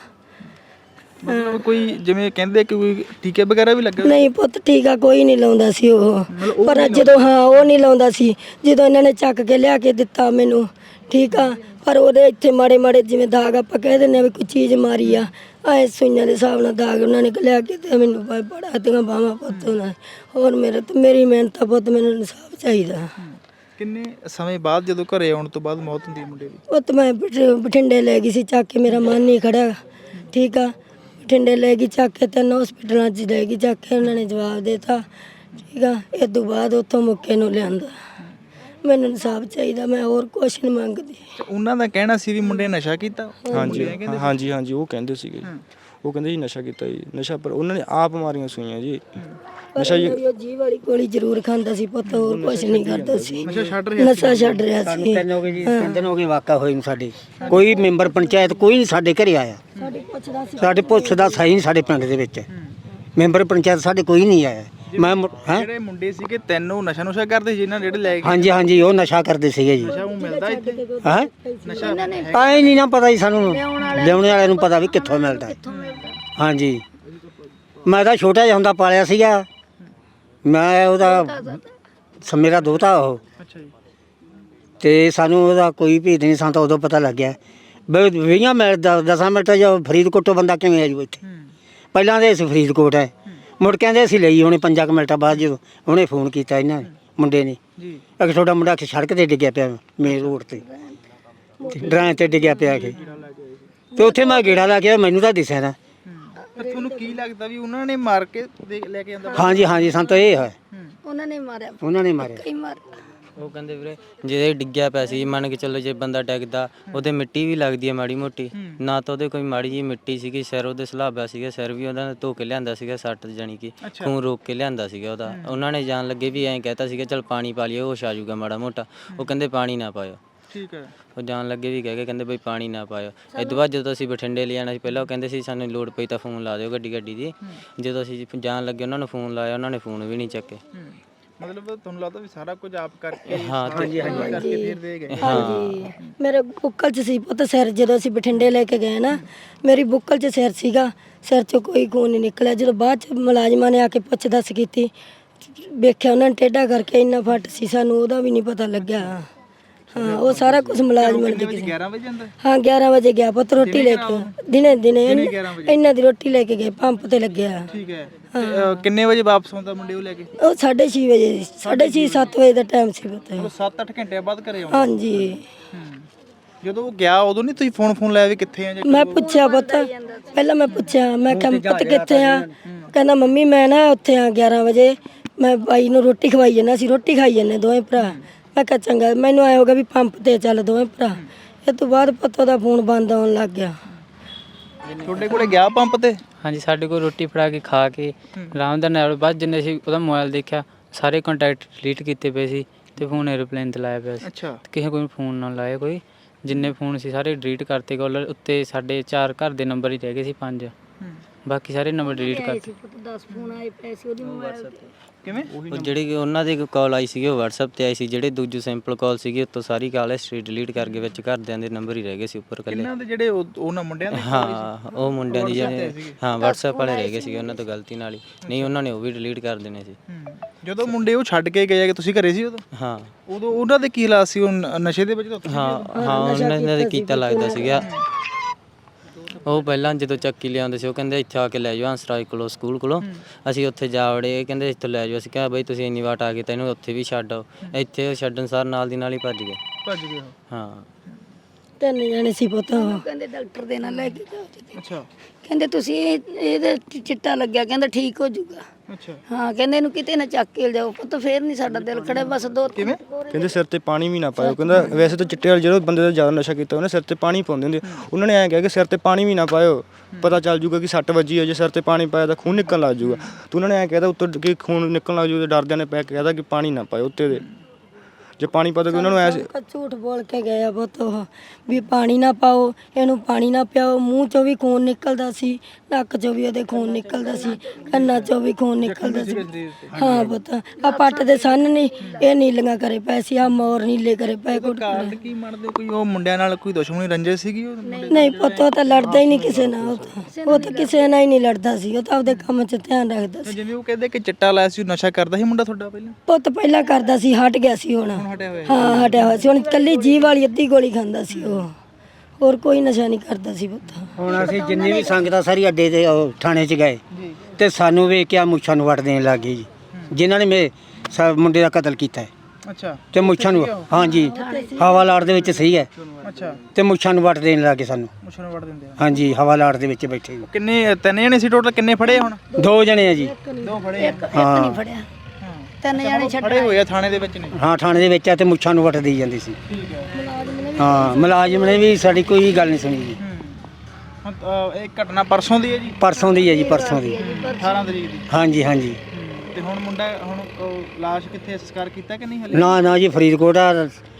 S2: ਮਤਲਬ ਕੋਈ ਜਿਵੇਂ ਕਹਿੰਦੇ ਕਿ ਕੋਈ ਟੀਕੇ ਵਗੈਰਾ ਵੀ ਲੱਗੇ?
S1: ਨਹੀਂ ਪੁੱਤ ਟੀਕਾ ਕੋਈ ਨਹੀਂ ਲਾਉਂਦਾ ਸੀ ਉਹ, ਪਰ ਜਦੋਂ ਉਹ ਨਹੀਂ ਲਾਉਂਦਾ ਸੀ, ਜਦੋਂ ਇਹਨਾਂ ਨੇ ਚੱਕ ਕੇ ਲਿਆ ਕੇ ਦਿੱਤਾ ਮੈਨੂੰ, ਠੀਕ ਆ, ਪਰ ਉਹਦੇ ਇੱਥੇ ਮਾੜੇ ਮਾੜੇ ਜਿਵੇਂ ਦਾਗ ਆਪਾਂ ਕਹਿ ਦਿੰਦੇ ਆ ਵੀ ਕੋਈ ਚੀਜ਼ ਮਾਰੀ ਆ, ਐ ਸੂਈਆਂ ਦੇ ਹਿਸਾਬ ਨਾਲ ਦਾਗ ਉਹਨਾਂ ਨੇ ਲਿਆ ਕੇ ਤੇ ਮੈਨੂੰ ਬੜਾ ਦੀਆਂ ਬਾਹਾਂ ਪੁੱਤ ਉਹਨਾਂ। ਹੋਰ ਮੇਰੀ ਮਿਹਨਤ ਆ ਪੁੱਤ, ਮੈਨੂੰ ਇਨਸਾਫ ਚਾਹੀਦਾ।
S2: ਕਿੰਨੇ ਸਮੇਂ ਬਾਅਦ ਜਦੋਂ ਘਰੇ ਆਉਣ ਤੋਂ ਬਾਅਦ ਮੌਤ ਹੁੰਦੀ ਹੈ ਮੁੰਡੇ ਦੀ?
S1: ਪੁੱਤ ਮੈਂ ਬਠਿੰਡੇ ਲੈ ਗਈ ਸੀ ਚੱਕ ਕੇ, ਮੇਰਾ ਮਨ ਨਹੀਂ ਖੜਾ, ਠੀਕ ਆ, ਬਠਿੰਡੇ ਲੈ ਗਈ ਚੱਕ ਕੇ, 3 ਹਸਪੀਟਲਾਂ 'ਚ ਲੈ ਗਈ ਚੱਕ ਕੇ, ਉਹਨਾਂ ਨੇ ਜਵਾਬ ਦੇਤਾ, ਠੀਕ ਆ। ਇਹ ਤੋਂ ਬਾਅਦ ਉੱਥੋਂ ਮੁੱਕੇ ਨੂੰ ਲਿਆਂਦਾ। ਮੈਨੂੰ ਇਨਸਾਫ ਚਾਹੀਦਾ, ਮੈਂ ਹੋਰ ਕੁਛ ਨਹੀਂ ਮੰਗਦੀ।
S2: ਉਹਨਾਂ ਦਾ ਕਹਿਣਾ ਸੀ ਵੀ ਮੁੰਡੇ ਨੇ ਨਸ਼ਾ ਕੀਤਾ?
S3: ਹਾਂਜੀ ਉਹ ਕਹਿੰਦੇ ਸੀਗੇ, ਉਹ ਕਹਿੰਦੇ ਜੀ ਨਸ਼ਾ ਕੀਤਾ ਜੀ, ਨਸ਼ਾ ਪਰ ਉਹਨਾਂ ਨੇ ਆਪ ਮਾਰੀਆਂ ਸੂਈਆਂ ਜੀ। ਨਸ਼ਾ
S1: ਜੀ ਵਾਲੀ ਗੋਲੀ ਜ਼ਰੂਰ ਖਾਂਦਾ ਸੀ ਪੁੱਤ, ਹੋਰ ਕੁਛ ਨਹੀਂ ਕਰਦਾ ਸੀ,
S2: ਨਸ਼ਾ ਛੱਡ
S1: ਨਸ਼ਾ ਛੱਡ ਰਿਹਾ ਸੀ।
S7: 3 ਹੋ ਗਏ ਜੀ, 3 ਦਿਨ ਹੋ ਗਏ ਵਾਕਾ ਹੋਏ ਨੂੰ ਸਾਡੇ, ਕੋਈ ਮੈਂਬਰ ਪੰਚਾਇਤ ਕੋਈ ਨਹੀਂ ਸਾਡੇ ਘਰੇ ਆਇਆ, ਸਾਡੇ ਪੁੱਛਦਾ ਸਹੀ ਨਹੀਂ ਸਾਡੇ ਪਿੰਡ ਦੇ ਵਿੱਚ, ਮੈਂਬਰ ਪੰਚਾਇਤ ਸਾਡੇ ਕੋਈ ਨਹੀਂ ਆਇਆ। ਮੈਂ
S2: ਜਿਹੜੇ ਮੁੰਡੇ ਸੀਗੇ 3 ਉਹ ਨਸ਼ਾ ਨੁਸ਼ਾ ਕਰਦੇ ਸੀ, ਜਿਹਨਾਂ ਜਿਹੜੇ ਲੈ ਕੇ?
S7: ਹਾਂਜੀ ਉਹ ਨਸ਼ਾ ਕਰਦੇ ਸੀਗੇ ਜੀ।
S2: ਨਸ਼ਾ ਉਹ ਮਿਲਦਾ ਇੱਥੇ?
S7: ਹਾਂ
S2: ਨਸ਼ਾ
S7: ਆਏ ਨਹੀਂ ਨਾ ਪਤਾ ਜੀ ਸਾਨੂੰ, ਲਿਆਉਣੇ ਵਾਲਿਆਂ ਨੂੰ ਪਤਾ ਵੀ ਕਿੱਥੋਂ ਮਿਲਦਾ। ਹਾਂਜੀ ਮੈਂ ਤਾਂ ਛੋਟਾ ਜਿਹਾ ਹੁੰਦਾ ਪਾਲਿਆ ਸੀਗਾ, ਮੈਂ ਉਹਦਾ ਮੇਰਾ ਦੋਤਾ ਉਹ।
S2: ਅੱਛਾ ਜੀ।
S7: ਤੇ ਸਾਨੂੰ ਉਹਦਾ ਕੋਈ ਭੇਦ ਨਹੀਂ, ਸਾਨੂੰ ਤਾਂ ਉਦੋਂ ਪਤਾ ਲੱਗਿਆ 20 ਮਿੰਟ 10 ਮਿੰਟ ਜੋ ਫਰੀਦਕੋਟੋਂ ਬੰਦਾ ਕਿਵੇਂ ਆ ਜੂ ਇੱਥੇ। ਪਹਿਲਾਂ ਦੇ ਅਸੀਂ ਫਰੀਦਕੋਟ ਹੈ, ਮੁੜ ਕਹਿੰਦੇ ਅਸੀਂ ਲਈ ਹੋਣੇ 5 ਮਿੰਟਾਂ ਬਾਅਦ, ਜਦੋਂ ਉਹਨੇ ਫੋਨ ਕੀਤਾ ਇਹਨਾਂ ਮੁੰਡੇ ਨੇ
S2: ਜੀ,
S7: ਇੱਕ ਤੁਹਾਡਾ ਮੁੰਡਾ ਸੜਕ ਤੇ ਡਿੱਗਿਆ ਪਿਆ, ਮੇਨ ਰੋਡ ਤੇ ਡਰਾਂ ਤੇ ਡਿੱਗਿਆ ਪਿਆ ਕੇ, ਤੇ ਉੱਥੇ ਮੈਂ ਗੇੜਾ ਲਾ ਕੇ ਮੈਨੂੰ ਤਾਂ ਦਿਸਿਆ ਨਾ।
S2: ਤੁਹਾਨੂੰ ਕੀ ਲੱਗਦਾ ਵੀ ਉਹਨਾਂ ਨੇ ਮਾਰ ਕੇ ਲੈ ਕੇ ਜਾਂਦਾ?
S7: ਹਾਂਜੀ ਸਾਨੂੰ ਤਾਂ ਇਹ ਹੈ,
S1: ਉਹਨਾਂ ਨੇ ਮਾਰਿਆ,
S7: ਉਹਨਾਂ ਨੇ ਮਾਰਿਆ।
S1: ਕਈ ਮਾਰ
S5: ਉਹ ਕਹਿੰਦੇ ਵੀਰੇ ਜਿਹਦੇ ਡਿੱਗਿਆ ਪਿਆ ਸੀ, ਮੰਨ ਕੇ ਚੱਲੋ ਜੇ ਬੰਦਾ ਡਿੱਗਦਾ ਉਹਦੇ ਮਿੱਟੀ ਵੀ ਲੱਗਦੀ ਹੈ ਮਾੜੀ ਮੋਟੀ, ਨਾ ਤਾਂ ਉਹਦੇ ਕੋਈ ਮਾੜੀ ਜੀ ਮਿੱਟੀ ਸੀਗੀ, ਸਿਰ ਉਹਦੇ ਸਲਾਬਾ ਸੀਗਾ, ਸਿਰ ਵੀ ਉਹਨਾਂ ਨੇ ਧੋ ਕੇ ਲਿਆਂਦਾ ਸੀਗਾ, ਸੱਟ ਜਾਣੀ ਕਿ ਖੂਨ ਰੋਕ ਕੇ ਲਿਆਂਦਾ ਸੀਗਾ ਉਹਦਾ। ਉਹਨਾਂ ਨੇ ਜਾਣ ਲੱਗੇ ਵੀ ਐਂ ਕਹਿਤਾ ਸੀਗਾ ਚੱਲ ਪਾਣੀ ਪਾ ਲਈਏ, ਹੋਸ਼ ਆ ਜਾਊਗਾ ਮਾੜਾ ਮੋਟਾ, ਉਹ ਕਹਿੰਦੇ ਪਾਣੀ ਨਾ ਪਾਇਓ।
S2: ਠੀਕ ਹੈ।
S5: ਉਹ ਜਾਣ ਲੱਗੇ ਵੀ ਕਹਿ ਕੇ ਕਹਿੰਦੇ ਬਈ ਪਾਣੀ ਨਾ ਪਾਇਓ। ਇਹ ਤੋਂ ਬਾਅਦ ਜਦੋਂ ਅਸੀਂ ਬਠਿੰਡੇ ਲਿਆਣਾ ਸੀ, ਪਹਿਲਾਂ ਉਹ ਕਹਿੰਦੇ ਸੀ ਸਾਨੂੰ ਲੋੜ ਪਈ ਤਾਂ ਫੋਨ ਲਾ ਦਿਓ ਗੱਡੀ ਦੀ, ਜਦੋਂ ਅਸੀਂ ਜਾਣ ਲੱਗੇ ਉਹਨਾਂ ਨੂੰ ਫੋਨ ਲਾਇਆ, ਉਹਨਾਂ ਨੇ ਫੋਨ ਵੀ ਨਹੀਂ ਚੱਕੇ।
S2: ਮਤਲਬ ਤੁਹਾਨੂੰ ਲੱਗਦਾ ਵੀ ਸਾਰਾ ਕੁਝ ਆਪ ਕਰਕੇ?
S5: ਹਾਂ
S2: ਕਰਕੇ ਫਿਰ ਦੇ ਗਏ?
S1: ਹਾਂਜੀ ਮੇਰੇ ਬੁੱਕਲ 'ਚ ਸੀ ਪੁੱਤ ਸਿਰ, ਜਦੋਂ ਅਸੀਂ ਬਠਿੰਡੇ ਲੈ ਕੇ ਗਏ ਨਾ, ਮੇਰੀ ਬੁੱਕਲ 'ਚ ਸਿਰ ਸੀਗਾ, ਸਿਰ 'ਚੋਂ ਕੋਈ ਖੂਨ ਨਹੀਂ ਨਿਕਲਿਆ। ਜਦੋਂ ਬਾਅਦ 'ਚ ਮੁਲਾਜ਼ਮਾਂ ਨੇ ਆ ਕੇ ਪੁੱਛ ਦੱਸ ਕੀਤੀ, ਵੇਖਿਆ ਉਹਨਾਂ ਨੇ ਟੇਢਾ ਕਰਕੇ ਇੰਨਾ ਫੱਟ ਸੀ, ਸਾਨੂੰ ਉਹਦਾ ਵੀ ਨਹੀਂ ਪਤਾ ਲੱਗਿਆ। ਹਾਂ ਉਹ ਸਾਰਾ ਕੁਝ ਮੁਲਾਜ਼ਮਾਂ ਨੇ ਦੇਖਿਆ।
S2: 11 ਵਜੇ ਜਾਂਦਾ?
S1: ਹਾਂ 11 ਵਜੇ ਗਿਆ ਪੁੱਤ ਰੋਟੀ ਲੈ ਕੇ, ਦਿਨੇ ਇਹਨਾਂ ਦੀ ਰੋਟੀ ਲੈ ਕੇ ਗਏ, ਪੰਪ ਤੇ ਲੱਗਿਆ।
S2: ਠੀਕ ਹੈ। ਕਿੰਨੇ ਵਜੇ ਵਾਪਸ ਆਉਂਦਾ ਮੁੰਡੇ ਉਹ ਲੈ ਕੇ?
S1: ਉਹ 6:30 ਵਜੇ, 6:30 7 ਵਜੇ ਦਾ ਟਾਈਮ ਸੀ ਪੁੱਤ।
S2: 7-8 ਘੰਟੇ ਬਾਅਦ ਘਰੇ ਆਉਂਦਾ?
S1: ਹਾਂਜੀ।
S2: ਜਦੋਂ ਉਹ ਗਿਆ ਉਦੋਂ ਨਹੀਂ ਤੁਸੀਂ ਫੋਨ ਲਾਇਆ ਵੀ ਕਿੱਥੇ ਆ?
S1: ਮੈਂ ਪੁੱਛਿਆ ਪੁੱਤ, ਪਹਿਲਾਂ ਮੈਂ ਪੁੱਛਿਆ, ਮੈਂ ਕਿਹਾ ਪੁੱਤ ਕਿੱਥੇ ਆ? ਕਹਿੰਦਾ ਮੰਮੀ ਮੈਂ ਨਾ ਉੱਥੇ ਆ 11 ਵਜੇ, ਮੈਂ ਬਾਈ ਨੂੰ ਰੋਟੀ ਖਵਾਈ ਜਾਂਦਾ ਸੀ, ਰੋਟੀ ਖਾਈ ਜਾਂਦੇ ਦੋਵੇਂ ਭਰਾ। ਮੈਂ ਕਿਹਾ ਚੰਗਾ, ਮੈਨੂੰ ਆਇਆ ਹੋਗਾ ਵੀ ਪੰਪ ਤੇ ਚੱਲ ਦੋਵੇਂ ਭਰਾ। ਇਹ ਤੋਂ ਬਾਅਦ ਪੁੱਤ ਉਹਦਾ ਫੋਨ ਬੰਦ ਆਉਣ ਲੱਗ ਗਿਆ।
S2: ਤੁਹਾਡੇ ਕੋਲੇ ਗਿਆ ਪੰਪ ਤੇ?
S6: ਹਾਂਜੀ ਸਾਡੇ ਕੋਲ ਰੋਟੀ ਫੜਾ ਕੇ ਖਾ ਕੇ ਆਰਾਮ ਦੇ ਨਾਲ, ਬਾਅਦ ਜਿੰਨੇ ਅਸੀਂ ਉਹਦਾ ਮੋਬਾਈਲ ਦੇਖਿਆ ਸਾਰੇ ਕੰਟੈਕਟ ਡਿਲੀਟ ਕੀਤੇ ਪਏ ਸੀ, ਤੇ ਫੋਨ 에ਅਰਪਲੇਨ ਤੇ ਲਾਇਆ ਪਿਆ ਸੀ।
S2: ਅੱਛਾ।
S6: ਕਿਸੇ ਕੋਈ ਫੋਨ ਨਾ ਲਾਇਆ, ਕੋਈ ਜਿੰਨੇ ਫੋਨ ਸੀ ਸਾਰੇ ਡਿਲੀਟ ਕਰਤੇ। ਕਾਲਰ ਉੱਤੇ ਸਾਡੇ 4 ਘਰ ਦੇ ਨੰਬਰ ਹੀ ਰਹਿ ਗਏ ਸੀ, 5। ਬਾਕੀ ਸਾਰੇ ਨੰਬਰ ਡਿਲੀਟ ਕਰਤੇ।
S1: 10 ਫੋਨ ਆਏ ਪਏ ਸੀ ਉਹਦੀ ਮੋਬਾਈਲ ਤੇ।
S2: ਕਿਵੇਂ
S5: ਉਹ ਜਿਹੜੀ ਕਿ ਉਹਨਾਂ ਦੀ ਕਾਲ ਆਈ ਸੀਗੀ ਉਹ WhatsApp ਤੇ ਆਈ ਸੀ, ਜਿਹੜੇ ਦੂਜੀ ਸਿੰਪਲ ਕਾਲ ਸੀਗੀ ਉੱਤੋਂ ਸਾਰੀ ਕਾਲ ਹਿਸਟਰੀ ਡਿਲੀਟ ਕਰਕੇ ਵਿੱਚ ਘਰਦਿਆਂ ਦੇ ਨੰਬਰ ਹੀ ਰਹਿ ਗਏ ਸੀ ਉੱਪਰ ਇਕੱਲੇ।
S2: ਇਹਨਾਂ ਦੇ ਜਿਹੜੇ ਉਹਨਾਂ ਮੁੰਡਿਆਂ ਦੇ
S5: ਹਾਂ ਉਹ ਮੁੰਡਿਆਂ ਦੀ ਜਿਹੜੇ ਹਾਂ WhatsApp ਵਾਲੇ ਰਹਿ ਗਏ ਸੀਗੇ ਉਹਨਾਂ ਤੋਂ ਗਲਤੀ ਨਾਲ ਹੀ, ਨਹੀਂ ਉਹਨਾਂ ਨੇ ਉਹ ਵੀ ਡਿਲੀਟ ਕਰ ਦੇਣੇ ਸੀ।
S2: ਜਦੋਂ ਮੁੰਡੇ ਉਹ ਛੱਡ ਕੇ ਗਏ ਕਿ ਤੁਸੀਂ ਘਰੇ ਸੀ ਉਦੋਂ
S5: ਹਾਂ
S2: ਉਹਨਾਂ ਦੇ ਕੀ ਹਾਲਾਤ ਸੀ? ਉਹ ਨਸ਼ੇ ਦੇ ਵਿੱਚ ਤਾਂ
S5: ਹਾਂ ਹਾਂ ਉਹਨਾਂ ਨੇ ਕੀਤਾ ਲੱਗਦਾ ਸੀਗਾ। ਉਹ ਪਹਿਲਾਂ ਜਦੋਂ ਚੱਕੀ ਲਿਆਉਂਦੇ ਸੀ ਉਹ ਕਹਿੰਦੇ ਇੱਥੇ ਆ ਕੇ ਲੈ ਜਾਓ ਹੰਸਰਾਜ ਕੋਲੋਂ ਸਕੂਲ ਕੋਲੋਂ, ਅਸੀਂ ਉੱਥੇ ਜਾ ਵੜੇ, ਕਹਿੰਦੇ ਇੱਥੋਂ ਲੈ ਜਾਓ। ਅਸੀਂ ਕਿਹਾ ਬਈ ਤੁਸੀਂ ਇੰਨੀ ਵਾਟ ਆ ਗਏ ਤਾਂ ਇਹਨੂੰ ਉੱਥੇ ਵੀ ਛੱਡ ਆਓ। ਇੱਥੇ ਉਹ ਛੱਡਣ ਸਾਰ ਨਾਲ ਦੀ ਨਾਲ ਹੀ ਭੱਜ ਗਏ। ਹਾਂ
S1: 3 ਜਣੇ ਸੀ ਪੁੱਤ। ਕਹਿੰਦੇ ਡਾਕਟਰ ਦੇ ਨਾਲ ਲੈ ਕੇ ਜਾਓ ਜੀ।
S2: ਅੱਛਾ
S1: ਕਹਿੰਦੇ ਤੁਸੀਂ ਇਹਦੇ ਚਿੱਟਾ ਲੱਗਿਆ, ਕਹਿੰਦਾ ਠੀਕ ਹੋ ਜਾਊਗਾ।
S2: ਅੱਛਾ
S1: ਹਾਂ ਕਹਿੰਦੇ ਇਹਨੂੰ ਕਿਤੇ ਨਾ ਚੱਕ ਕੇ ਜਾਓ ਪੁੱਤ, ਫੇਰ ਨਹੀਂ ਸਾਡਾ ਦਿਲ ਖੜਾ। ਬਸ 2
S2: ਕਿਵੇਂ
S3: ਕਹਿੰਦੇ ਸਿਰ ਤੇ ਪਾਣੀ ਵੀ ਨਾ ਪਾਇਓ। ਕਹਿੰਦਾ ਵੈਸੇ ਤਾਂ ਚਿੱਟੇ ਵਾਲੇ ਜਦੋਂ ਬੰਦੇ ਦਾ ਜ਼ਿਆਦਾ ਨਸ਼ਾ ਕੀਤਾ ਉਹਨੇ ਸਿਰ ਤੇ ਪਾਣੀ ਪਾਉਂਦੇ ਹੁੰਦੇ, ਉਹਨਾਂ ਨੇ ਐਂ ਕਿਹਾ ਕਿ ਸਿਰ ਤੇ ਪਾਣੀ ਵੀ ਨਾ ਪਾਇਓ, ਪਤਾ ਚੱਲ ਜੂਗਾ ਕਿ ਸੱਟ ਵੱਜੀ ਹੈ। ਜੇ ਸਿਰ ਤੇ ਪਾਣੀ ਪਾਇਆ ਤਾਂ ਖੂਨ ਨਿਕਲਣ ਲੱਗ ਜੂਗਾ। ਤੇ ਉਹਨਾਂ ਨੇ ਐਂ ਕਹਿਦਾ ਉੱਤੋਂ ਕਿ ਖੂਨ ਨਿਕਲਣ ਲੱਗ ਜੂਗਾ, ਡਰਦਿਆਂ ਨੇ ਪੈ ਕੇ ਕਹਿਦਾ ਕਿ ਪਾਣੀ ਨਾ ਪਾਇਓ ਉੱਤੇ ਦੇ। ਜੇ ਪਾਣੀ ਪਾ ਦੋ ਉਹਨਾਂ ਨੂੰ ਐ
S1: ਝੂਠ ਬੋਲ ਕੇ ਗਏ ਆ ਪੁੱਤ ਉਹ ਵੀ ਪਾਣੀ ਨਾ ਪਾਓ, ਇਹਨੂੰ ਪਾਣੀ ਨਾ ਪਿਆਓ। ਮੂੰਹ ਚੋਂ ਵੀ ਖੂਨ ਨਿਕਲਦਾ ਸੀ, ਨੱਕ ਚੋਂ ਵੀ ਉਹਦੇ ਖੂਨ ਨਿਕਲਦਾ ਸੀ, ਕੰਨਾਂ ਚੋਂ ਵੀ ਖੂਨ ਨਿਕਲਦਾ ਸੀ। ਹਾਂ ਪੁੱਤ ਆ ਪੱਟ ਦੇ ਸੰਨ ਨਹੀਂ, ਇਹ ਨੀਲੀਆਂ ਕਰੇ ਪਏ ਸੀ, ਆ ਮੋਰ ਨੀਲੇ ਕਰੇ ਪਏ।
S2: ਕਾਰਨ ਕੀ ਮੰਨਦੇ? ਕੋਈ ਉਹ ਮੁੰਡਿਆਂ ਨਾਲ ਕੋਈ ਦੁਸ਼ਮਣੀ ਰੰਜਿਸ਼ ਸੀਗੀ? ਉਹ
S1: ਨਹੀਂ ਪੁੱਤ ਉਹ ਤਾਂ ਲੜਦਾ ਹੀ ਨਹੀਂ ਕਿਸੇ ਨਾਲ। ਉਹ ਤਾਂ ਕਿਸੇ ਨਾਲ ਹੀ ਨਹੀਂ ਲੜਦਾ ਸੀ, ਉਹ ਤਾਂ ਆਪਦੇ ਕੰਮ 'ਚ ਧਿਆਨ ਰੱਖਦਾ ਸੀ।
S2: ਜਿਵੇਂ ਉਹ ਕਹਿੰਦੇ ਕਿ ਚਿੱਟਾ ਲਾਇਆ ਸੀ, ਨਸ਼ਾ ਕਰਦਾ ਸੀ ਮੁੰਡਾ ਤੁਹਾਡਾ ਪਹਿਲਾਂ?
S1: ਪੁੱਤ ਪਹਿਲਾਂ ਕਰਦਾ ਸੀ, ਹਟ ਗਿਆ ਸੀ ਹੁਣ। ਹਾਂ ਹਟਿਆ ਹੋਇਆ ਸੀ ਹੁਣ, ਕੱਲੀ ਜੀਭ ਵਾਲੀ ਅੱਧੀ ਗੋਲੀ ਖਾਂਦਾ ਸੀ ਉਹ, ਹੋਰ ਕੋਈ ਨਸ਼ਾ ਨਹੀਂ ਕਰਦਾ ਸੀ ਪੁੱਤ।
S7: ਹੁਣ ਅਸੀਂ ਜਿੰਨੀ ਵੀ ਸੰਗਤ ਆ ਸਾਰੀ ਅੱਡੇ ਤੇ ਉਹ ਥਾਣੇ 'ਚ ਗਏ ਤੇ ਸਾਨੂੰ ਵੇਖ ਕੇ ਆ ਮੁੱਛਾਂ ਨੂੰ ਵੱਟ ਦੇਣ ਲੱਗ ਗਏ ਜੀ, ਜਿਨ੍ਹਾਂ ਨੇ ਮੁੰਡੇ ਦਾ ਕਤਲ ਕੀਤਾ ਹੈ।
S2: ਅੱਛਾ
S7: ਤੇ ਮੁੱਛਾਂ ਨੂੰ ਹਾਂਜੀ ਹਵਾਲਾਟ ਦੇ ਵਿੱਚ ਸਹੀ ਹੈ।
S2: ਅੱਛਾ
S7: ਤੇ ਮੁੱਛਾਂ ਨੂੰ ਵੱਟ ਦੇਣ ਲੱਗ ਗਏ ਸਾਨੂੰ।
S2: ਮੁੱਛਾਂ ਨੂੰ ਵੜ ਦਿੰਦੇ ਆ?
S7: ਹਾਂਜੀ ਹਵਾਲਾਟ ਦੇ ਵਿੱਚ ਬੈਠੇ ਜੀ।
S2: ਕਿੰਨੇ 3 ਜਣੇ ਸੀ ਟੋਟਲ? ਕਿੰਨੇ ਫੜੇ ਹੁਣ?
S7: 2 ਜਣੇ ਆ ਜੀ।
S2: 2 ਫੜੇ ਆ?
S7: ਹਾਂ
S1: ਨਹੀਂ ਫੜਿਆ, 3 ਜਣੇ ਛੱਡ
S2: ਫੜੇ ਹੋਏ ਆ ਥਾਣੇ ਦੇ ਵਿੱਚ ਨੇ?
S7: ਹਾਂ ਥਾਣੇ ਦੇ ਵਿੱਚ ਆ ਤੇ ਮੁੱਛਾਂ ਨੂੰ ਵੱਟ ਦੇਈ ਜਾਂਦੀ ਸੀ।
S2: ਠੀਕ ਹੈ।
S7: ਹਾਂ ਮੁਲਾਜ਼ਮ ਨੇ ਵੀ ਸਾਡੀ ਕੋਈ ਗੱਲ ਨਹੀਂ ਸੁਣੀ ਜੀ।
S2: ਹੁਣ ਇਹ ਘਟਨਾ ਪਰਸੋਂ ਦੀ ਹੈ ਜੀ?
S7: ਪਰਸੋਂ ਦੀ ਹੈ ਜੀ, ਪਰਸੋਂ ਦੀ।
S2: 18 ਤਰੀਕ ਦੀ?
S7: ਹਾਂਜੀ ਹਾਂਜੀ।
S2: ਤੇ ਹੁਣ ਮੁੰਡਾ ਹੁਣ ਲਾਸ਼ ਕਿੱਥੇ ਸੰਸਕਾਰ ਕੀਤਾ ਕਿ ਨਹੀਂ ਹਲੇ?
S7: ਨਾ ਜੀ ਫਰੀਦਕੋਟ ਆ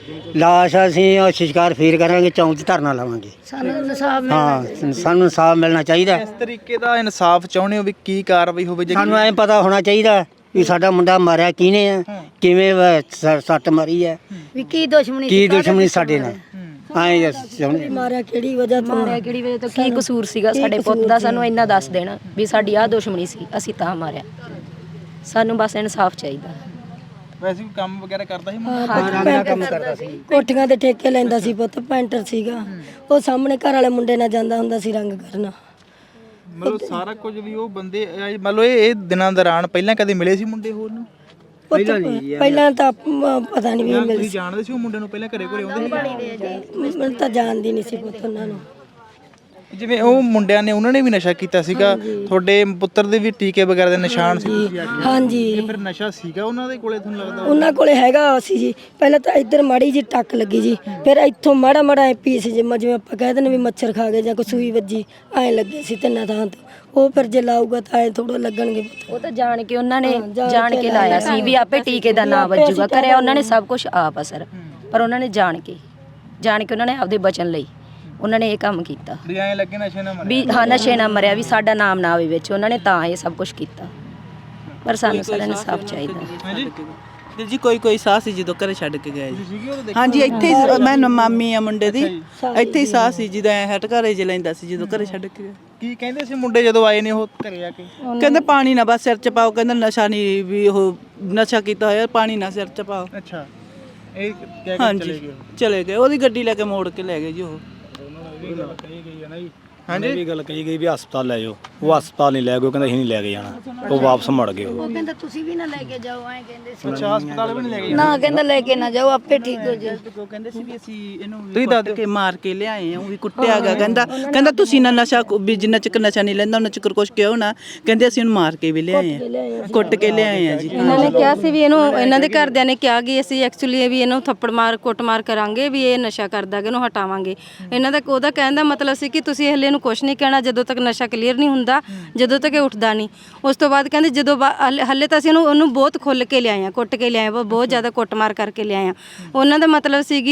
S7: ਲਾਸ਼। ਅਸੀਂ ਉਹ ਸ਼ਿਕਾਰ ਫੇਰ ਕਰਾਂਗੇ, ਚੌਂਕ 'ਚ ਧਰਨਾ ਲਾਵਾਂਗੇ।
S1: ਸਾਨੂੰ ਇਨਸਾਫ
S7: ਹਾਂ ਸਾਨੂੰ ਇਨਸਾਫ ਮਿਲਣਾ ਚਾਹੀਦਾ।
S2: ਇਸ ਤਰੀਕੇ ਦਾ ਇਨਸਾਫ ਚਾਹੁੰਦੇ ਹੋ ਵੀ ਕੀ ਕਾਰਵਾਈ ਹੋਵੇ? ਜੇ
S7: ਸਾਨੂੰ ਐਂ ਪਤਾ ਹੋਣਾ ਚਾਹੀਦਾ ਵੀ ਸਾਡਾ ਮੁੰਡਾ ਮਾਰਿਆ ਕਿਹਨੇ ਆ, ਕਿਵੇਂ ਸੱਟ ਮਾਰੀ ਹੈ,
S1: ਵੀ ਕੀ ਦੁਸ਼ਮਣੀ
S7: ਕੀ ਦੁਸ਼ਮਣੀ ਸਾਡੇ ਨਾਲ। ਐਂ ਚਾਹੁੰਦੇ
S1: ਮਾਰਿਆ ਕਿਹੜੀ ਵਜ੍ਹਾ ਤੋਂ?
S8: ਮਾਰਿਆ ਕਿਹੜੀ ਵਜ੍ਹਾ ਤੋਂ, ਕੀ ਕਸੂਰ ਸੀਗਾ ਸਾਡੇ ਪੁੱਤ ਦਾ? ਸਾਨੂੰ ਇੰਨਾ ਦੱਸ ਦੇਣਾ ਵੀ ਸਾਡੀ ਆਹ ਦੁਸ਼ਮਣੀ ਸੀ, ਅਸੀਂ ਤਾਂ ਮਾਰਿਆ। ਸਾਨੂੰ ਬਸ ਇਨਸਾਫ ਚਾਹੀਦਾ।
S2: ਵੈਸੇ ਕੋਈ ਕੰਮ ਵਗੈਰਾ ਕਰਦਾ ਸੀ
S7: ਕੰਮ ਕਰਦਾ ਸੀ।
S1: ਕੋਠੀਆਂ ਦੇ ਠੇਕੇ ਲੈਂਦਾ ਸੀ ਪੁੱਤ, ਪੈਂਟਰ ਸੀਗਾ ਉਹ। ਸਾਹਮਣੇ ਘਰ ਵਾਲੇ ਮੁੰਡੇ ਨਾਲ ਜਾਂਦਾ ਹੁੰਦਾ ਸੀ ਰੰਗ ਕਰਨਾ।
S2: ਮਤਲਬ ਸਾਰਾ ਕੁਝ ਵੀ ਉਹ ਬੰਦੇ ਮਤਲਬ ਇਹ ਦਿਨਾਂ ਦੌਰਾਨ ਪਹਿਲਾਂ ਕਦੇ ਮਿਲੇ ਸੀ ਮੁੰਡੇ ਹੋਰ ਨੂੰ?
S1: ਪਹਿਲਾਂ ਤਾਂ ਪਤਾ ਨਹੀਂ ਵੀ ਮਿਲ
S2: ਤੁਸੀਂ ਜਾਣਦੇ ਸੀ ਉਹ ਮੁੰਡੇ ਨੂੰ? ਪਹਿਲਾਂ ਘਰੇ ਘਰੇ ਆਉਂਦੇ ਸੀ?
S1: ਮੈਨੂੰ ਤਾਂ ਜਾਣਦੀ ਨਹੀਂ ਸੀ ਪੁੱਤ ਉਹਨਾਂ ਨੂੰ।
S2: ਜਿਵੇਂ ਉਹ ਮੁੰਡਿਆਂ ਨੇ ਉਹਨਾਂ ਨੇ ਵੀ ਨਸ਼ਾ ਕੀਤਾ ਸੀਗਾ, ਤੁਹਾਡੇ ਪੁੱਤਰ ਦੇ ਵੀ ਟੀਕੇ ਵਗੈਰਾ ਦੇ ਨਿਸ਼ਾਨ ਸੀ?
S1: ਹਾਂਜੀ
S2: ਇਹ ਫਿਰ ਨਸ਼ਾ ਸੀਗਾ ਉਹਨਾਂ ਦੇ ਕੋਲੇ ਤੁਹਾਨੂੰ ਲੱਗਦਾ?
S1: ਉਹਨਾਂ ਕੋਲੇ ਹੈਗਾ ਸੀ ਜੀ। ਪਹਿਲਾਂ ਤਾਂ ਇੱਧਰ ਮਾੜੀ ਜੀ ਟੱਕ ਲੱਗੀ ਜੀ, ਫਿਰ ਇੱਥੋਂ ਮਾੜਾ ਮਾੜਾ ਪੀਸ ਜਿਵੇਂ ਆਪਾਂ ਕਹਿ ਦਿੰਦੇ ਵੀ ਮੱਛਰ ਖਾ ਗਏ ਜਾਂ ਕੋਈ ਸੂਈ ਵੱਜੀ, ਐਂ ਲੱਗੇ ਸੀ 3 ਥਾਂ ਤੋਂ। ਉਹ ਫਿਰ ਜੇ ਲਾਊਗਾ ਤਾਂ ਐਂ ਥੋੜਾ ਲੱਗਣਗੇ ਪੁੱਤ।
S8: ਉਹ ਤਾਂ ਜਾਣ ਕੇ ਉਹਨਾਂ ਨੇ ਜਾਣ ਕੇ ਲਾਇਆ ਸੀ ਵੀ ਆਪੇ ਟੀਕੇ ਦਾ ਨਾਂ ਵੱਜੂਗਾ। ਕਰਿਆ ਉਹਨਾਂ ਨੇ ਸਭ ਕੁਝ ਆਪ ਅਸਰ, ਪਰ ਉਹਨਾਂ ਨੇ ਜਾਣ ਕੇ ਉਹਨਾਂ ਨੇ ਆਪਦੇ ਬਚਨ ਲਈ ਉਹਨਾਂ ਨੇ ਇਹ ਕੰਮ ਕੀਤਾ
S2: ਵੀ ਐਂ ਲੱਗੇ ਨਸ਼ੇ ਨਾਲ ਮਰਿਆ
S8: ਵੀ ਹਾਂ ਨਸ਼ੇ ਨਾ ਮਰਿਆ, ਵੀ ਸਾਡਾ ਨਾਮ ਨਾ ਆਵੇ ਵਿੱਚ। ਉਹਨਾਂ ਨੇ ਤਾਂ ਇਹ ਸਭ ਕੁਝ ਕੀਤਾ, ਪਰ ਸਾਨੂੰ ਸਾਰਿਆਂ ਨੂੰ ਇਨਸਾਫ ਚਾਹੀਦਾ।
S2: ਹਾਂਜੀ
S9: ਵੀਰ ਜੀ ਕੋਈ ਸਾਹ ਸੀ ਜਦੋਂ ਘਰੇ ਛੱਡ ਕੇ ਗਏ ਜੀ। ਹਾਂਜੀ ਇੱਥੇ ਹੀ ਮੈਂ ਮਾਮੀ ਆ ਮੁੰਡੇ ਦੀ, ਇੱਥੇ ਹੀ ਸਾਹ ਸੀ ਜਦੋਂ ਹਟ ਘਰੇ ਚ ਲੈਂਦਾ ਸੀ ਜਦੋਂ ਘਰੇ ਛੱਡ ਕੇ ਗਏ।
S2: ਕੀ ਕਹਿੰਦੇ ਸੀ ਮੁੰਡੇ ਜਦੋਂ ਆਏ ਨੇ ਉਹ ਘਰੇ ਆ ਕੇ?
S9: ਕਹਿੰਦੇ ਪਾਣੀ ਨਾ ਬਸ ਸਿਰ ਚ ਪਾਓ, ਕਹਿੰਦਾ ਨਸ਼ਾ ਨਹੀਂ ਵੀ ਉਹ ਨਸ਼ਾ ਕੀਤਾ ਹੋਇਆ, ਪਾਣੀ ਨਾ ਸਿਰ ਚ ਪਾਓ।
S2: ਅੱਛਾ ਇਹ ਕਹਿ ਕੇ ਚਲੇ
S9: ਹਾਂਜੀ
S2: ਗਏ?
S9: ਚਲੇ ਗਏ, ਉਹਦੀ ਗੱਡੀ ਲੈ ਕੇ ਮੋੜ ਕੇ ਲੈ ਗਏ ਜੀ ਉਹ।
S3: ਹਾਂਜੀ ਵੀ ਗੱਲ ਕਹੀ ਗਈ ਵੀ ਹਸਪਤਾਲ ਲੈ ਜਾਓ, ਉਹ ਹਸਪਤਾਲ ਨਹੀਂ ਲੈ ਗਏ, ਕਹਿੰਦਾ ਅਸੀਂ ਨਹੀਂ ਲੈ ਕੇ ਜਾਣਾ, ਉਹ ਵਾਪਸ ਮੁੜ ਗਏ। ਉਹ
S1: ਕਹਿੰਦਾ ਤੁਸੀਂ ਵੀ ਨਾ ਲੈ ਕੇ ਜਾਓ, ਐਂ ਕਹਿੰਦੇ ਸੀ।
S2: ਅੱਛਾ ਹਸਪਤਾਲ ਵੀ ਨਹੀਂ ਲੈ ਗਏ?
S1: ਨਾ ਕਹਿੰਦਾ ਲੈ ਕੇ ਨਾ ਜਾਓ, ਆਪੇ ਠੀਕ ਹੋ ਜਾਏ।
S9: ਉਹ ਕਹਿੰਦੇ ਸੀ ਵੀ ਅਸੀਂ ਇਹਨੂੰ ਕੁੱਟ ਕੇ ਮਾਰ ਕੇ ਲਿਆਏ ਆ, ਉਹ ਵੀ ਕੁੱਟਿਆ ਗਿਆ। ਕਹਿੰਦਾ ਤੁਸੀਂ ਨਾ ਨਸ਼ਾ ਵੀ ਜਿੰਨਾ ਚਿਰ ਨਸ਼ਾ ਨਹੀਂ ਲੈਂਦਾ ਉਹਨਾਂ ਚਿਰ ਕੁਛ ਕਿਉਂ ਨਾ, ਕਹਿੰਦੇ ਅਸੀਂ ਉਹਨੂੰ ਮਾਰ ਕੇ ਵੀ ਲਿਆਏ ਆ, ਕੁੱਟ ਕੇ ਲਿਆਏ ਆ ਜੀ।
S4: ਇਹਨਾਂ ਨੇ ਕਿਹਾ ਸੀ ਵੀ ਇਹਨੂੰ, ਇਹਨਾਂ ਦੇ ਘਰਦਿਆਂ ਨੇ ਕਿਹਾ ਕਿ ਅਸੀਂ ਐਕਚੁਅਲੀ ਵੀ ਇਹਨੂੰ ਥੱਪੜ ਮਾਰ ਕੁੱਟ ਮਾਰ ਕਰਾਂਗੇ, ਵੀ ਇਹ ਨਸ਼ਾ ਕਰਦਾ ਕਿ ਇਹਨੂੰ ਹਟਾਵਾਂਗੇ। ਇਹਨਾਂ ਦਾ ਉਹਦਾ ਕਹਿਣ ਦਾ ਮਤਲਬ ਸੀ ਕਿ ਤੁਸੀਂ ਹਲੇ ਇਹਨੂੰ ਕੁਛ ਨਹੀਂ ਕਹਿਣਾ ਜਦੋਂ ਤੱਕ ਨਸ਼ਾ ਕਲੀਅਰ ਨਹੀਂ ਹੁੰਦਾ, ਜਦੋਂ ਤੱਕ ਇਹ ਉੱਠਦਾ ਨਹੀਂ। ਉਸ ਤੋਂ ਬਾਅਦ ਕਹਿੰਦੇ ਜਦੋਂ ਹਲੇ ਤਾਂ ਅਸੀਂ ਉਹਨੂੰ ਬਹੁਤ ਖੁੱਲ ਕੇ ਲਿਆਏ ਆ, ਕੁੱਟ ਕੇ ਲਿਆਏ ਆ, ਬਹੁਤ ਜ਼ਿਆਦਾ ਕੁੱਟਮਾਰ ਕਰਕੇ ਲਿਆਏ ਆ। ਉਹਨਾਂ ਦਾ ਮਤਲਬ ਸੀਗੀ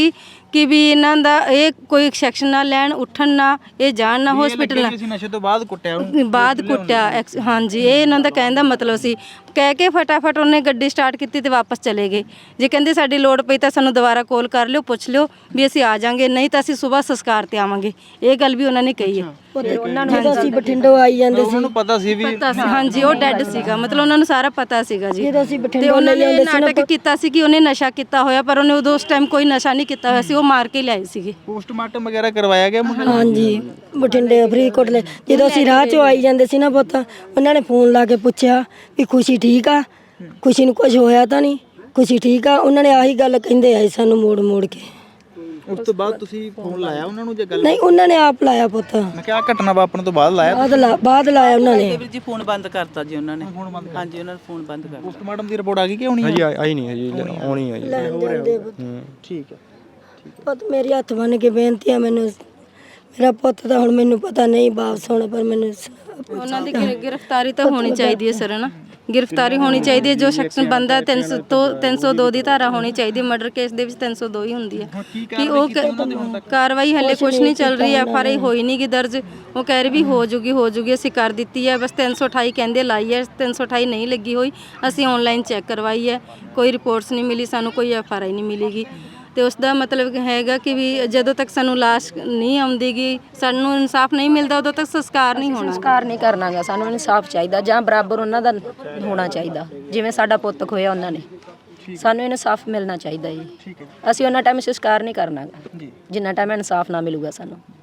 S4: ਕਿ ਵੀ ਇਹਨਾਂ ਦਾ ਇਹ ਕੋਈ ਸੈਕਸ਼ਨ ਨਾ ਲੈਣ, ਉੱਠਣ ਨਾ, ਇਹ ਜਾਣ ਨਾ ਹਸਪੀਟਲ ਨਾ।
S2: ਅਸੀਂ ਨਸ਼ੇ ਤੋਂ ਬਾਅਦ ਕੁੱਟਿਆ ਉਹਨੂੰ,
S4: ਬਾਅਦ ਕੁੱਟਿਆ ਹਾਂਜੀ, ਇਹ ਇਹਨਾਂ ਦਾ ਕਹਿਣ ਦਾ ਮਤਲਬ ਸੀ। ਕਹਿ ਕੇ ਫਟਾਫਟ ਉਹਨੇ ਗੱਡੀ ਸਟਾਰਟ ਕੀਤੀ ਤੇ ਵਾਪਸ ਚਲੇ ਗਏ। ਜੇ ਕਹਿੰਦੇ ਸਾਡੀ ਲੋੜ ਪਈ ਤਾਂ ਸਾਨੂੰ ਦੁਬਾਰਾ ਕਾਲ ਕਰ ਲਿਓ, ਪੁੱਛ ਲਿਓ ਵੀ ਅਸੀਂ ਆ ਜਾਾਂਗੇ, ਨਹੀਂ ਤਾਂ ਅਸੀਂ ਸਵੇਰ ਸੰਸਕਾਰ ਤੇ ਆਵਾਂਗੇ। ਇਹ ਗੱਲ ਵੀ ਉਹਨਾਂ ਨੇ ਕਹੀ ਹੈ।
S1: ਉਹਨਾਂ ਨੂੰ ਜਦੋਂ ਅਸੀਂ ਬਠਿੰਡੋਂ ਆਈ ਜਾਂਦੇ ਸੀ,
S2: ਉਹਨਾਂ ਨੂੰ ਪਤਾ ਸੀ ਵੀ
S4: ਪਤਾ ਸੀ ਹਾਂਜੀ, ਉਹ ਡੈੱਡ ਸੀਗਾ, ਮਤਲਬ ਉਹਨਾਂ ਨੂੰ ਸਾਰਾ ਪਤਾ ਸੀਗਾ ਜੀ।
S1: ਜਦੋਂ ਅਸੀਂ
S4: ਤੇ
S1: ਬਠਿੰਡੋਂ
S4: ਉਹਨਾਂ
S1: ਲੈ
S4: ਨੇ
S1: ਜਾਂਦੇ ਸੀ
S4: ਨਾਟਕ ਕੀਤਾ ਸੀ ਕਿ ਉਹਨੇ ਨਸ਼ਾ ਕੀਤਾ ਹੋਇਆ, ਪਰ ਉਹਨੇ ਉਦੋਂ ਉਸ ਟਾਈਮ ਕੋਈ ਨਸ਼ਾ ਨਹੀਂ ਕੀਤਾ ਹੋਇਆ ਸੀ, ਉਹ ਮਾਰ ਕੇ ਲਿਆਏ ਸੀਗੇ।
S2: ਪੋਸਟਮਾਰਟਮ ਵਗੈਰਾ ਕਰਵਾਇਆ ਗਿਆ ਮੁੰਡੇ ਨੂੰ?
S1: ਹਾਂਜੀ, ਬਠਿੰਡੇ ਫਰੀਦਕੋਟ ਲੈ ਜਦੋਂ ਅਸੀਂ ਰਾਹ 'ਚੋਂ ਆਈ ਜਾਂਦੇ ਸੀ ਨਾ ਪੁੱਤ, ਉਹਨਾਂ ਨੇ ਫੋਨ ਲਾ ਕੇ ਪੁੱਛਿਆ ਵੀ ਖੁਸ਼ੀ ਠੀਕ ਆ, ਖੁਸ਼ੀ ਨੂੰ ਕੁਝ ਹੋਇਆ ਤਾਂ ਨਹੀਂ, ਖੁਸ਼ੀ ਠੀਕ ਆ। ਉਹਨਾਂ ਨੇ ਆਹੀ ਗੱਲ ਕਹਿੰਦੇ ਆਏ ਸਾਨੂੰ ਮੋੜ ਮੋੜ ਕੇ।
S2: ਉਸ ਤੋਂ ਬਾਅਦ ਤੁਸੀਂ ਫੋਨ ਲਾਇਆ ਉਹਨਾਂ ਨੂੰ ਜੇ ਗੱਲ?
S1: ਨਹੀਂ, ਉਹਨਾਂ ਨੇ ਆਪ ਲਾਇਆ ਪੁੱਤ,
S2: ਮੈਂ ਕਿਹਾ ਘਟਨਾ ਵਾਪਰਨ ਤੋਂ ਬਾਅਦ ਲਾਇਆ?
S1: ਬਾਅਦ ਲਾਇਆ ਉਹਨਾਂ ਨੇ।
S9: ਵੀਰ ਜੀ ਫੋਨ ਬੰਦ ਕਰਤਾ ਜੀ ਉਹਨਾਂ ਨੇ। ਹਾਂਜੀ, ਉਹਨਾਂ ਨੇ ਫੋਨ ਬੰਦ ਕਰਤਾ।
S2: ਪੋਸਟਮਾਰਟਮ ਦੀ ਰਿਪੋਰਟ ਆ ਗਈ ਕਿ ਆਉਣੀ ਹੈ?
S3: ਹਜੀ ਆਈ ਨਹੀਂ ਹਜੀ, ਆਉਣੀ ਹੈ ਜੀ।
S2: ਠੀਕ ਹੈ।
S1: ਪੁੱਤ ਮੇਰੀ ਹੱਥ ਬੰਨ ਕੇ ਬੇਨਤੀ ਆ, ਮੈਨੂੰ ਮੇਰਾ ਪੁੱਤ ਤਾਂ ਹੁਣ ਮੈਨੂੰ ਪਤਾ ਨਹੀਂ ਵਾਪਸ ਹੋਣਾ, ਪਰ ਮੈਨੂੰ
S4: ਉਹਨਾਂ ਦੀ ਗ੍ਰਿਫਤਾਰੀ ਤਾਂ ਹੋਣੀ ਚਾਹੀਦੀ ਹੈ ਸਰ, ਨਾ ਗ੍ਰਿਫਤਾਰੀ ਹੋਣੀ ਚਾਹੀਦੀ ਹੈ। ਜੋ ਸ਼ਖਸ ਬੰਦਾ 302 ਦੀ ਧਾਰਾ ਹੋਣੀ ਚਾਹੀਦੀ ਹੈ। ਮਰਡਰ ਕੇਸ ਦੇ ਵਿੱਚ 302 ਹੀ ਹੁੰਦੀ ਹੈ ਕਿ ਉਹ ਕਾਰਵਾਈ ਹਲੇ ਕੁਝ ਨਹੀਂ ਚੱਲ ਰਹੀ, FRI ਹੋਈ ਨਹੀਂ ਗੀ ਦਰਜ। ਉਹ ਕਹਿ ਰਹੇ ਵੀ ਹੋ ਜੂਗੀ, ਅਸੀਂ ਕਰ ਦਿੱਤੀ ਹੈ, ਬਸ 328 ਕਹਿੰਦੇ ਲਾਈ ਹੈ, 328 ਨਹੀਂ ਲੱਗੀ ਹੋਈ। ਅਸੀਂ ਆਨਲਾਈਨ ਚੈੱਕ ਕਰਵਾਈ ਹੈ, ਕੋਈ ਰਿਪੋਰਟਸ ਨਹੀਂ ਮਿਲੀ ਸਾਨੂੰ, ਕੋਈ FRI ਨਹੀਂ ਮਿਲੀਗੀ। ਤੇ ਉਸ ਦਾ ਮਤਲਬ ਹੈਗਾ ਕਿ ਵੀ ਜਦੋਂ ਤੱਕ ਸਾਨੂੰ ਲਾਸ਼ ਨਹੀਂ ਆਉਂਦੀਗੀ, ਸਾਨੂੰ ਇਨਸਾਫ ਨਹੀਂ ਮਿਲਦਾ, ਉਦੋਂ ਤੱਕ ਸੰਸਕਾਰ ਨਹੀਂ ਹੋਣਾ।
S8: ਸੰਸਕਾਰ ਨਹੀਂ ਕਰਨਾਗਾ, ਸਾਨੂੰ ਇਨਸਾਫ ਚਾਹੀਦਾ ਜਾਂ ਬਰਾਬਰ ਉਹਨਾਂ ਦਾ ਹੋਣਾ ਚਾਹੀਦਾ, ਜਿਵੇਂ ਸਾਡਾ ਪੁੱਤ ਖੋਇਆ ਉਹਨਾਂ ਨੇ। ਸਾਨੂੰ ਇਨਸਾਫ ਮਿਲਣਾ ਚਾਹੀਦਾ ਜੀ। ਅਸੀਂ ਉਹਨਾਂ ਟਾਈਮ ਸੰਸਕਾਰ ਨਹੀਂ ਕਰਨਾਗਾ ਜਿੰਨਾ ਟਾਈਮ ਇਨਸਾਫ ਨਾ ਮਿਲੂਗਾ ਸਾਨੂੰ।